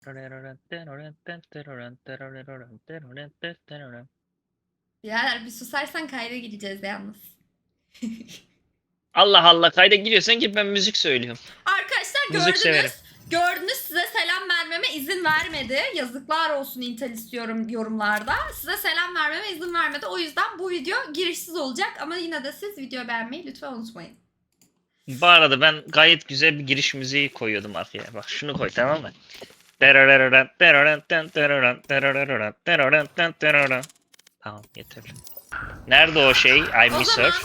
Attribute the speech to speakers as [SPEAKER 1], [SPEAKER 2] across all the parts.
[SPEAKER 1] Birader bir susarsan kayda gireceğiz yalnız.
[SPEAKER 2] Allah Allah, kayda giriyorsan ki ben müzik söylüyorum.
[SPEAKER 1] Arkadaşlar
[SPEAKER 2] Müzik severim.
[SPEAKER 1] gördünüz size selam vermeme izin vermedi. Yazıklar olsun Intel istiyorum yorumlarda. Size selam vermeme izin vermedi. O yüzden bu video girişsiz olacak ama yine de siz video beğenmeyi lütfen unutmayın.
[SPEAKER 2] Bu arada ben gayet güzel bir giriş müziği koyuyordum arkaya. Bak şunu koy, tamam mı? Tamam, yeter. Nerede o şey? I
[SPEAKER 1] O
[SPEAKER 2] miss
[SPEAKER 1] zaman
[SPEAKER 2] her.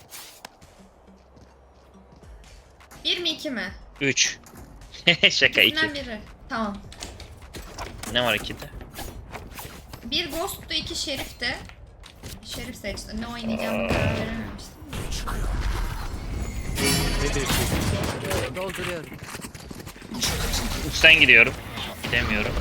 [SPEAKER 1] 1 mi 2 mi?
[SPEAKER 2] 3. Şaka, 2.
[SPEAKER 1] İkisinden biri. Tamam.
[SPEAKER 2] Ne var 2'de?
[SPEAKER 1] Bir Ghost'tu, 2 Şerif'ti. Şerif seçti. Ne oynayacağımı karar verememiştim.
[SPEAKER 3] Dolduruyorum.
[SPEAKER 2] Uçtan gidiyorum. Gidemiyorum.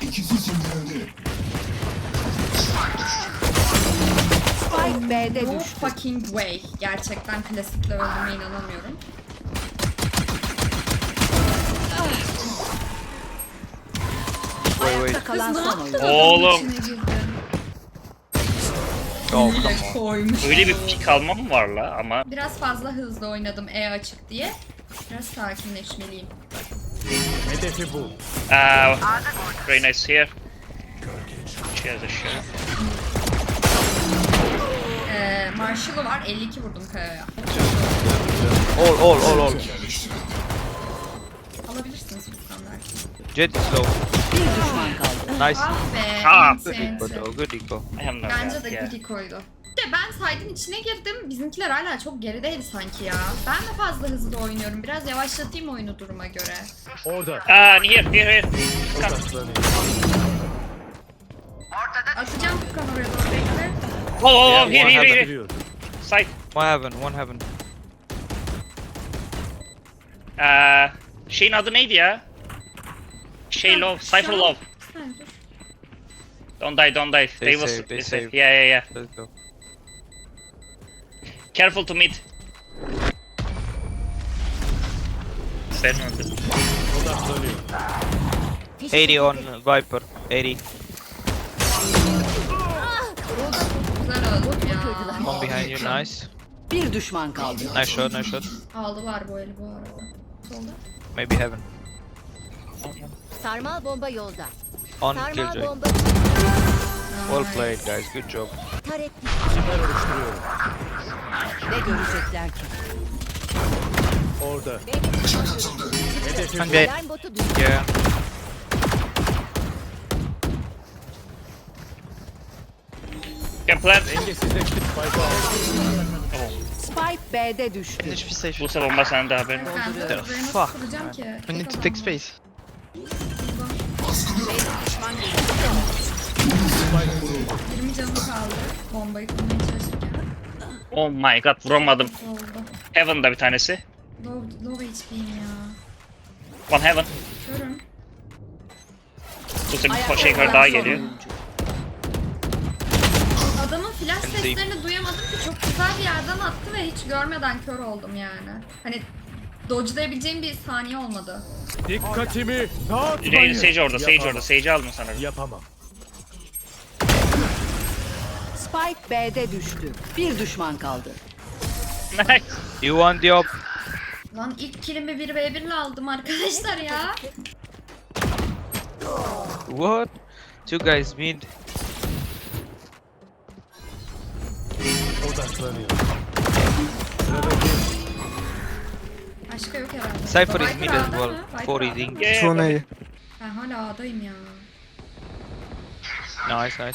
[SPEAKER 3] Spike B'de
[SPEAKER 1] No
[SPEAKER 3] düştü.
[SPEAKER 1] fucking way. Gerçekten klasikle öldüğüme inanamıyorum.
[SPEAKER 3] Ayakta kalan
[SPEAKER 1] Kız ne
[SPEAKER 3] son
[SPEAKER 1] yaptın
[SPEAKER 3] oyuncu.
[SPEAKER 1] adamın
[SPEAKER 2] Oğlum.
[SPEAKER 1] içine girdin?
[SPEAKER 4] Oh,
[SPEAKER 1] Hile
[SPEAKER 4] come on.
[SPEAKER 1] koymuş.
[SPEAKER 2] Öyle bir pik almam var la ama.
[SPEAKER 1] Biraz fazla hızlı oynadım E açık diye. Biraz sakinleşmeliyim.
[SPEAKER 5] Hedefi bu.
[SPEAKER 2] Reyna is here. She has a shot.
[SPEAKER 1] Marshall'ı var. 52 vurdum Kaya'ya.
[SPEAKER 4] All.
[SPEAKER 1] Alabilirsiniz bu standart.
[SPEAKER 4] Jet is low.
[SPEAKER 3] Bir düşman kaldı.
[SPEAKER 4] Nice.
[SPEAKER 1] Ah be.
[SPEAKER 2] Ah,
[SPEAKER 4] Good
[SPEAKER 1] enti,
[SPEAKER 4] eco
[SPEAKER 1] enti.
[SPEAKER 4] though, good eco.
[SPEAKER 2] I have no
[SPEAKER 1] Bence
[SPEAKER 2] doubt,
[SPEAKER 1] de
[SPEAKER 2] yeah.
[SPEAKER 1] good koydu. De ben side'ın içine girdim. Bizimkiler hala çok gerideydi sanki ya. Ben de fazla hızlı oynuyorum. Biraz yavaşlatayım oyunu duruma göre.
[SPEAKER 5] Orada.
[SPEAKER 2] Here. Come.
[SPEAKER 5] Odaklanıyor.
[SPEAKER 1] Atacağım Furkan oraya doğru bekle.
[SPEAKER 2] Oh, here.
[SPEAKER 5] Giriyor.
[SPEAKER 2] Side.
[SPEAKER 4] One heaven.
[SPEAKER 2] Şeyin adı neydi ya? Şey low, Cypher low.
[SPEAKER 1] Ha, dur.
[SPEAKER 2] Don't die. They will
[SPEAKER 4] save, they
[SPEAKER 2] save.
[SPEAKER 4] save.
[SPEAKER 2] Yeah.
[SPEAKER 4] Let's go.
[SPEAKER 2] Careful to mid. Ben öldüm.
[SPEAKER 5] Odaklanıyor.
[SPEAKER 4] 80 on Viper. 80.
[SPEAKER 1] Güzel öldüm ya.
[SPEAKER 4] One behind you. Nice.
[SPEAKER 3] Bir düşman kaldı.
[SPEAKER 4] Nice shot.
[SPEAKER 1] Aldılar bu eli bu arada. Solda.
[SPEAKER 4] Maybe heaven.
[SPEAKER 6] Sarmal bomba yolda.
[SPEAKER 4] On
[SPEAKER 6] Sarmal
[SPEAKER 4] Killjoy.
[SPEAKER 6] bomba
[SPEAKER 4] Well played guys. Good job.
[SPEAKER 6] taret.
[SPEAKER 5] Siper oluşturuyorum.
[SPEAKER 3] Ne görecekler ki?
[SPEAKER 5] Orada. Hedefi bu.
[SPEAKER 4] Okay.
[SPEAKER 6] Alarm botu düştü.
[SPEAKER 4] Yeah.
[SPEAKER 2] Can plant.
[SPEAKER 5] Dengesizleşti. Spike'ı aldı.
[SPEAKER 3] Spike B'de düştü.
[SPEAKER 4] HP station.
[SPEAKER 2] Bu sefer bomba sende haberin.
[SPEAKER 1] Ben de
[SPEAKER 4] The
[SPEAKER 1] buraya nasıl
[SPEAKER 4] fuck,
[SPEAKER 1] kuracağım
[SPEAKER 4] man.
[SPEAKER 1] ki?
[SPEAKER 4] We
[SPEAKER 1] Tek
[SPEAKER 4] need to
[SPEAKER 1] adam
[SPEAKER 4] take
[SPEAKER 1] var.
[SPEAKER 4] space.
[SPEAKER 5] Spike vuruldu.
[SPEAKER 1] 20 canım kaldı. Bombayı kurmaya çalışırken.
[SPEAKER 2] Oh my god, vuramadım.
[SPEAKER 1] Oldu.
[SPEAKER 2] Heaven'da bir tanesi.
[SPEAKER 1] Low HP'yim ya.
[SPEAKER 2] One heaven.
[SPEAKER 1] Görün.
[SPEAKER 2] Bu sefer
[SPEAKER 3] Ayakta
[SPEAKER 2] bir şey
[SPEAKER 3] kalan
[SPEAKER 2] daha
[SPEAKER 3] son
[SPEAKER 2] geliyor.
[SPEAKER 3] oyuncu.
[SPEAKER 1] Adamın flash
[SPEAKER 4] Ben de-
[SPEAKER 1] seslerini duyamadım ki çok güzel bir yerden attı ve hiç görmeden kör oldum yani. Hani dodge'layabileceğim bir saniye olmadı.
[SPEAKER 5] Dikkatimi dağıtmayın.
[SPEAKER 2] Sage orada,
[SPEAKER 5] Yapamam.
[SPEAKER 2] Sage'i aldın sanırım.
[SPEAKER 5] Yapamam.
[SPEAKER 3] Spike B'de düştü. Bir düşman kaldı.
[SPEAKER 2] Nice.
[SPEAKER 4] You want the op?
[SPEAKER 1] Lan ilk killimi 1v1 ile aldım arkadaşlar ya.
[SPEAKER 4] What? Two guys mid.
[SPEAKER 5] Odaklanıyor. Sıradaki.
[SPEAKER 1] Başka yok herhalde.
[SPEAKER 4] Cypher is
[SPEAKER 1] Viper
[SPEAKER 4] mid as
[SPEAKER 1] A'da
[SPEAKER 4] well.
[SPEAKER 1] mı? Viper
[SPEAKER 4] 4
[SPEAKER 1] A'da
[SPEAKER 4] is
[SPEAKER 1] mı?
[SPEAKER 4] in.
[SPEAKER 2] Yeah,
[SPEAKER 4] Two
[SPEAKER 2] yeah,
[SPEAKER 1] Ben hala A'dayım ya.
[SPEAKER 4] Nice.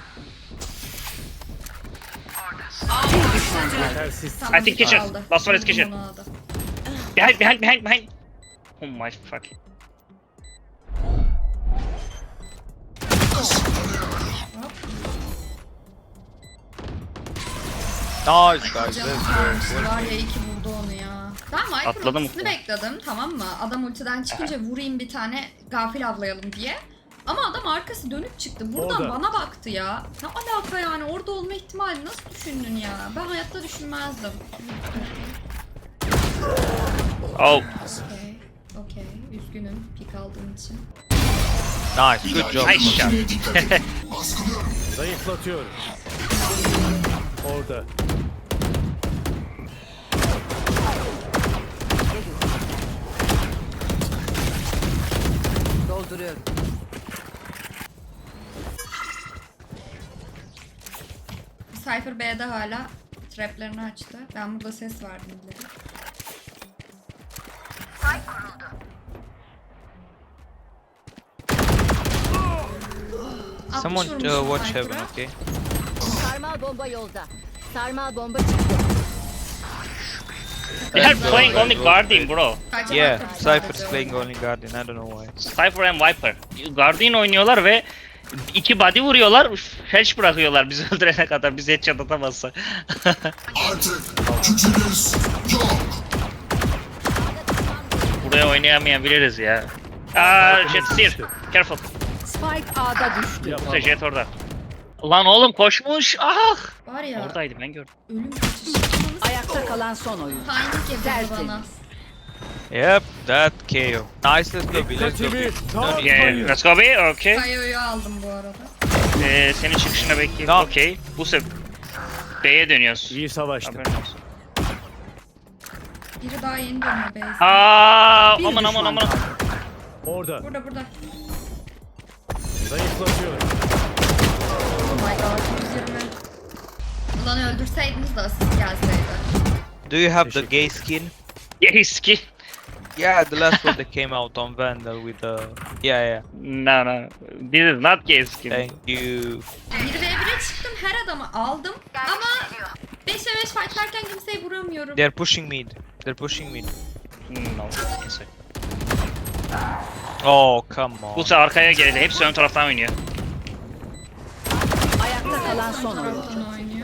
[SPEAKER 3] Bir düşman kaldı.
[SPEAKER 5] Tersiz.
[SPEAKER 1] Tamam,
[SPEAKER 2] I think kitchen.
[SPEAKER 1] aldı.
[SPEAKER 2] Last one is
[SPEAKER 1] Buldum
[SPEAKER 2] kitchen.
[SPEAKER 1] onu A'da.
[SPEAKER 2] Behind. Oh my fuck.
[SPEAKER 4] Nice guys.
[SPEAKER 1] Canım
[SPEAKER 4] Let's go.
[SPEAKER 1] kalmıştı var ya, iyi ki vurdu onu ya. Ben Viper'ın
[SPEAKER 2] Atladım
[SPEAKER 1] ultisini
[SPEAKER 2] ulti.
[SPEAKER 1] bekledim, tamam mı? Adam ultiden çıkınca vurayım bir tane gafil avlayalım diye. Ama adam arkası dönüp çıktı. Buradan
[SPEAKER 5] Orada.
[SPEAKER 1] bana baktı ya. Ne alaka yani, orada olma ihtimali nasıl düşündün ya? Ben hayatta düşünmezdim.
[SPEAKER 2] Oh.
[SPEAKER 1] Okey. Üzgünüm pik aldığım için.
[SPEAKER 4] Nice, good job.
[SPEAKER 2] Nice shot.
[SPEAKER 5] Zayıflatıyorum. Orada.
[SPEAKER 3] Dolduruyorum.
[SPEAKER 1] Cypher B'de hala traplerini açtı. Ben burada ses verdim dedim.
[SPEAKER 4] Someone watch heaven, okay?
[SPEAKER 6] Sarmal bomba yolda. Sarmal bomba çıktı.
[SPEAKER 2] They are playing only Guardian bro.
[SPEAKER 4] Yeah, Cypher's playing only Guardian, I don't know why.
[SPEAKER 2] Cypher and Viper. Guardian oynuyorlar ve 2 body vuruyorlar, felç bırakıyorlar bizi öldürene kadar, bizi headshot atamazsa. Buraya oynayamayabiliriz ya. Jet steer. Careful.
[SPEAKER 3] Spike A'da düştü.
[SPEAKER 2] Burada Jet orada. Lan oğlum koşmuş. Ah!
[SPEAKER 1] Var ya
[SPEAKER 2] Oradaydı ben gördüm.
[SPEAKER 1] ölüm kaçışı.
[SPEAKER 3] Ayakta kalan son oyun.
[SPEAKER 1] Timing yapıyor
[SPEAKER 3] Tertemiz.
[SPEAKER 1] bana.
[SPEAKER 4] Yep, that KO. Nice, let's go B, let's go B.
[SPEAKER 5] Dikkatimi dağıtmayın.
[SPEAKER 2] Yeah, let's go B. Okay.
[SPEAKER 1] Kayo'yu aldım bu arada.
[SPEAKER 2] Senin çıkışına bekleyeyim.
[SPEAKER 4] Tamam.
[SPEAKER 2] Okay. Bu sefer B'ye dönüyoruz.
[SPEAKER 5] İyi savaştı.
[SPEAKER 2] Haberin olsun.
[SPEAKER 1] Biri daha yeni dönüyor B'ye.
[SPEAKER 2] Aa,
[SPEAKER 3] Bir
[SPEAKER 2] aman
[SPEAKER 3] düşman
[SPEAKER 2] aman aman.
[SPEAKER 3] kaldı.
[SPEAKER 5] Orada.
[SPEAKER 1] Burada.
[SPEAKER 5] Zayıflatıyorum.
[SPEAKER 1] Oh my god 120. Ulan öldürseydiniz de asist gelseydi.
[SPEAKER 4] Do you have the gay skin?
[SPEAKER 2] Yes ki.
[SPEAKER 4] Yeah, the last one that came out on Vandal with the... Yeah,
[SPEAKER 2] No no. This is not gay skin.
[SPEAKER 4] thank you.
[SPEAKER 1] 1v1'e çıktım her adamı aldım ama 5'e 5 fightlarken kimseyi vuramıyorum.
[SPEAKER 4] They're pushing mid. They're pushing mid.
[SPEAKER 2] No. Neyse.
[SPEAKER 4] Oh, come on.
[SPEAKER 2] Bu sefer arkaya geldi. Hepsi ön taraftan oynuyor.
[SPEAKER 3] Ayakta kalan son oyun.
[SPEAKER 1] Taraftan oynuyor.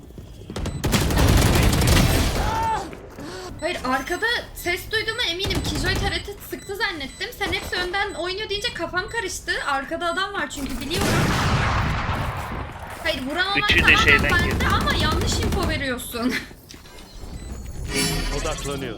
[SPEAKER 1] Hayır arkada ses duyduğuma eminim. Killjoy TRT sıktı zannettim. Sen hepsi önden oynuyor deyince kafam karıştı. Arkada adam var çünkü biliyorum. Hayır vuran olan
[SPEAKER 2] Üçü de
[SPEAKER 1] tamamen
[SPEAKER 2] şeyden
[SPEAKER 1] bende
[SPEAKER 2] girdi.
[SPEAKER 1] ama yanlış info veriyorsun.
[SPEAKER 5] Odaklanıyor.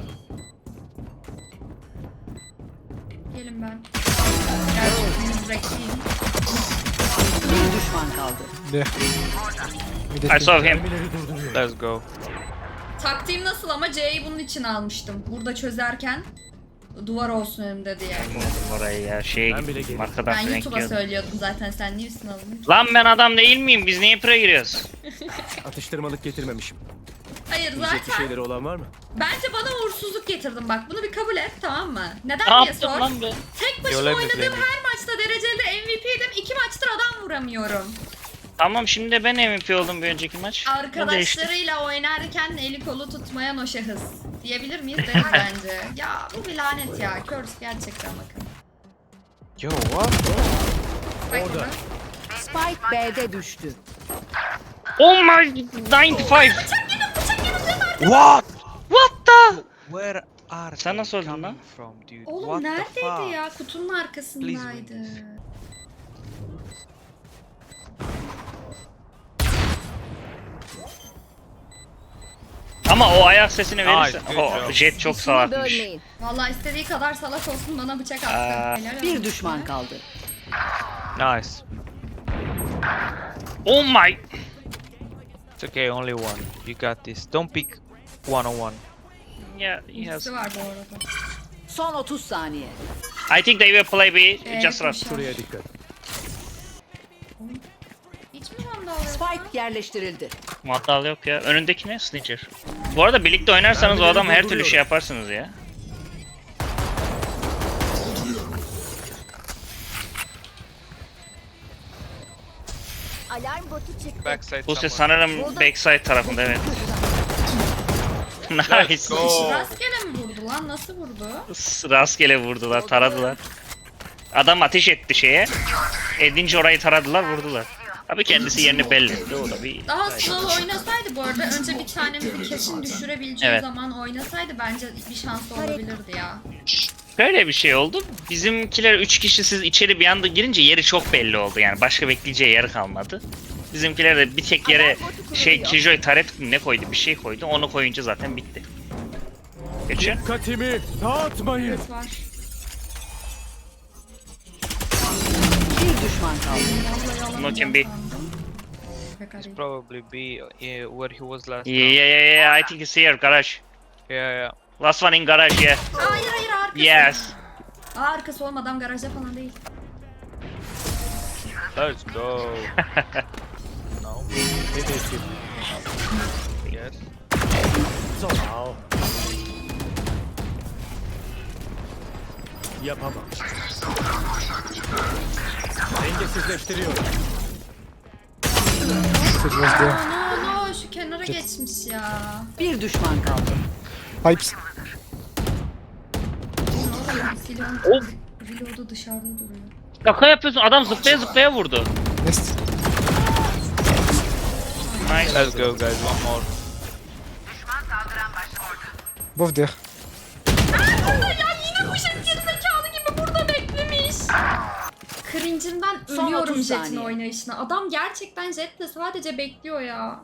[SPEAKER 1] Gelin ben. Gerçekten yürekliyim.
[SPEAKER 3] Bir düşman kaldı.
[SPEAKER 2] I saw him.
[SPEAKER 5] Mermileri durduruyor.
[SPEAKER 4] Let's go.
[SPEAKER 1] Taktiğim nasıl ama C'yi bunun için almıştım. Burada çözerken duvar olsun önümde diye.
[SPEAKER 2] Vurdum orayı ya. Şeye
[SPEAKER 5] Ben bile
[SPEAKER 2] gittim.
[SPEAKER 5] geldim.
[SPEAKER 2] Arkadan
[SPEAKER 1] Ben
[SPEAKER 2] flank
[SPEAKER 1] YouTube'a
[SPEAKER 2] yiyordum.
[SPEAKER 1] söylüyordum zaten sen niye üstüne alındın?
[SPEAKER 2] Lan ben adam değil miyim? Biz niye pre giriyoruz?
[SPEAKER 5] Atıştırmalık getirmemişim.
[SPEAKER 1] Hayır
[SPEAKER 5] Yiyecek bir
[SPEAKER 1] zaten
[SPEAKER 5] şeyleri olan var mı?
[SPEAKER 1] bence bana uğursuzluk getirdin bak bunu bir kabul et tamam mı? Neden
[SPEAKER 2] Ne
[SPEAKER 1] diye
[SPEAKER 2] yaptım
[SPEAKER 1] sor.
[SPEAKER 2] lan ben?
[SPEAKER 1] Tek başıma
[SPEAKER 4] Yolaya
[SPEAKER 1] oynadığım
[SPEAKER 4] bekleyin.
[SPEAKER 1] her maçta dereceli MVP'ydim. 2 maçtır adam vuramıyorum.
[SPEAKER 2] Tamam şimdi de ben MVP oldum bir önceki maç. Ne değişti?
[SPEAKER 1] Arkadaşlarıyla oynarken eli kolu tutmayan o şahıs. Diyebilir miyiz? Deriz bence. Ya bu bir lanet ya. Curse gerçekten bakın.
[SPEAKER 4] Yo, what?
[SPEAKER 1] Bak
[SPEAKER 5] Orada.
[SPEAKER 1] burada.
[SPEAKER 3] Spike B'de düştü.
[SPEAKER 2] Oh my 95.
[SPEAKER 4] What?
[SPEAKER 2] What the?
[SPEAKER 4] Where are
[SPEAKER 2] Sen
[SPEAKER 4] they
[SPEAKER 2] nasıl öldün
[SPEAKER 4] coming
[SPEAKER 2] lan?
[SPEAKER 4] from, dude?
[SPEAKER 1] Oğlum
[SPEAKER 4] What the
[SPEAKER 1] neredeydi
[SPEAKER 4] fuck?
[SPEAKER 1] ya? Kutunun arkasındaydı.
[SPEAKER 4] win.
[SPEAKER 2] Ama o ayak sesini verirse.
[SPEAKER 4] Ay,
[SPEAKER 2] O
[SPEAKER 4] good job.
[SPEAKER 2] Jet çok
[SPEAKER 6] İşimi
[SPEAKER 2] salakmış.
[SPEAKER 6] bölmeyin.
[SPEAKER 1] Vallahi istediği kadar salak olsun bana bıçak attı.
[SPEAKER 2] Aa.
[SPEAKER 1] Helal
[SPEAKER 3] Bir
[SPEAKER 1] olsun.
[SPEAKER 3] düşman kaldı.
[SPEAKER 4] Nice.
[SPEAKER 2] Oh my.
[SPEAKER 4] It's okay, only one. You got this. Don't pick one on one.
[SPEAKER 2] Yeah, yes.
[SPEAKER 1] İkisi var bu arada.
[SPEAKER 3] Son 30 saniye.
[SPEAKER 2] I think they will play B. Just
[SPEAKER 1] koşar.
[SPEAKER 2] run.
[SPEAKER 5] Şuraya dikkat.
[SPEAKER 1] Hiç mi vandal yok?
[SPEAKER 3] Spike yerleştirildi.
[SPEAKER 2] Maddal yok ya. Önündeki ne? Snitcher. Bu arada birlikte oynarsanız o adam her türlü şey yaparsınız ya.
[SPEAKER 6] Alarm botu çıktı.
[SPEAKER 4] Backside
[SPEAKER 2] Bu ses
[SPEAKER 4] someone.
[SPEAKER 2] sanırım backside tarafında evet.
[SPEAKER 4] Let's
[SPEAKER 2] Nice.
[SPEAKER 4] go.
[SPEAKER 1] Rastgele mi vurdu lan? Nasıl vurdu?
[SPEAKER 2] Rastgele vurdular, taradılar. Adam ateş etti şeye. Edince orayı taradılar, vurdular. Abi kendisi yerini belli etti. O da bir...
[SPEAKER 1] Daha slow oynasaydı bu arada önce bir tanemizi kesin düşürebileceği
[SPEAKER 2] Evet.
[SPEAKER 1] zaman oynasaydı bence bir şansı olabilirdi ya.
[SPEAKER 2] Böyle bir şey oldu. Bizimkiler 3 kişi siz içeri bir anda girince yeri çok belli oldu. Yani başka bekleyeceği yer kalmadı. Bizimkiler de bir tek yere şey Killjoy taret ne koydu bir şey koydu. Onu koyunca zaten bitti. Geçiyor.
[SPEAKER 5] Dikkatimi dağıtmayın.
[SPEAKER 1] Var.
[SPEAKER 3] düşman kaldı.
[SPEAKER 1] Vallahi yalan
[SPEAKER 2] No can
[SPEAKER 1] can
[SPEAKER 2] be.
[SPEAKER 1] sandım. Pekala.
[SPEAKER 4] Probably be where he was last
[SPEAKER 2] Yeah,
[SPEAKER 4] round.
[SPEAKER 2] yeah. I think it's here, garage.
[SPEAKER 4] Yeah.
[SPEAKER 2] Last one in garage, yeah.
[SPEAKER 1] Hayır arkası.
[SPEAKER 2] Yes.
[SPEAKER 1] Arkası olmadan garajda falan değil.
[SPEAKER 4] Let's go. No.
[SPEAKER 5] Hedefim.
[SPEAKER 4] Yes.
[SPEAKER 5] Sağ ol. Yapamam. Dengesizleştiriyorum.
[SPEAKER 1] No, şu kenara geçmiş ya.
[SPEAKER 3] Bir düşman kaldı.
[SPEAKER 7] Pipes.
[SPEAKER 1] Ne oluyor? Silahın
[SPEAKER 2] Of.
[SPEAKER 1] reload'u dışarıda duruyor.
[SPEAKER 2] Şaka yapıyorsun. Adam zıplaya zıplaya vurdu.
[SPEAKER 7] Nest.
[SPEAKER 2] Nice.
[SPEAKER 4] Let's go, guys. One more.
[SPEAKER 7] Both there.
[SPEAKER 1] Ya yine bu jet gerizekalı gibi burada beklemiş. Cringe'imden
[SPEAKER 3] Son
[SPEAKER 1] ölüyorum
[SPEAKER 3] 30
[SPEAKER 1] Jet'in
[SPEAKER 3] saniye.
[SPEAKER 1] oynayışına. Adam gerçekten Jet'le sadece bekliyor ya.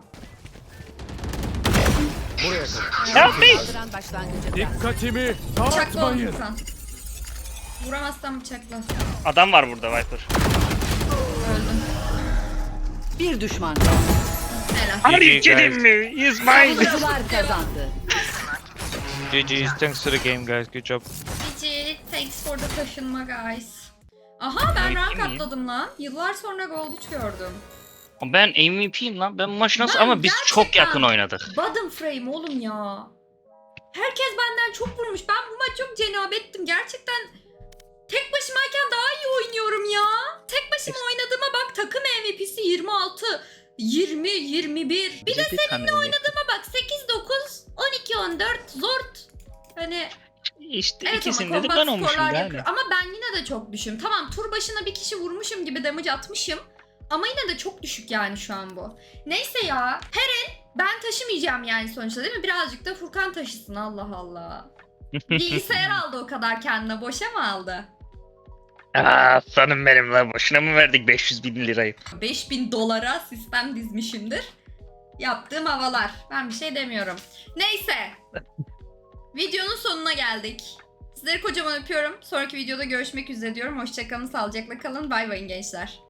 [SPEAKER 5] Buraya kadar.
[SPEAKER 2] Help me.
[SPEAKER 3] Saldıran başlangıcında.
[SPEAKER 5] Dikkatimi
[SPEAKER 1] Bıçakla
[SPEAKER 5] dağıtmayın.
[SPEAKER 1] onu Furkan. Vuramazsan bıçakla.
[SPEAKER 2] Adam var burada Viper.
[SPEAKER 1] Öldüm.
[SPEAKER 3] Bir düşman kaldı.
[SPEAKER 1] Helal.
[SPEAKER 2] Are you
[SPEAKER 4] GG,
[SPEAKER 2] kidding me? He's mine.
[SPEAKER 3] Savunucular kazandı.
[SPEAKER 4] GG's. Thanks to the game, guys. Good job.
[SPEAKER 1] GG. Thanks for the taşınma guys. Aha ben
[SPEAKER 2] MVP
[SPEAKER 1] rank
[SPEAKER 2] mi?
[SPEAKER 1] atladım lan. Yıllar sonra Gold 3 gördüm.
[SPEAKER 2] Ben MVP'yim lan. Ben bu maçı nasıl
[SPEAKER 1] Ben
[SPEAKER 2] ama biz çok
[SPEAKER 1] gerçekten-
[SPEAKER 2] yakın oynadık.
[SPEAKER 1] Bottom frame oğlum ya. Herkes benden çok vurmuş. Ben bu maç çok cenabettim. Gerçekten tek başımayken daha iyi oynuyorum ya. Tek başıma oynadığıma bak, takım MVP'si 26, 20, 21. Bir de seninle oynadığıma bak 8, 9, 12, 14 zort. Hani
[SPEAKER 2] İşte
[SPEAKER 1] evet ama
[SPEAKER 2] ikisinde de
[SPEAKER 1] combat
[SPEAKER 2] ben olmuşum
[SPEAKER 1] skorlar
[SPEAKER 2] yani.
[SPEAKER 1] yapıyor. Ama ben yine de çok düşüm. Tamam tur başına bir kişi vurmuşum gibi damage atmışım. Ama yine de çok düşük yani şu an bu. Neyse ya. Her el ben taşımayacağım yani sonuçta değil mi? Birazcık da Furkan taşısın, Allah Allah. Bilgisayar aldı o kadar kendine. Boşa mı aldı?
[SPEAKER 2] Aa, sanım benim lan. Boşuna mı verdik 500 bin lirayı?
[SPEAKER 1] 5000 dolara sistem dizmişimdir. Yaptığım havalar. Ben bir şey demiyorum. Neyse. Videonun sonuna geldik. Sizleri kocaman öpüyorum. Sonraki videoda görüşmek üzere diyorum. Hoşçakalın, sağlıcakla kalın. Bay bay gençler.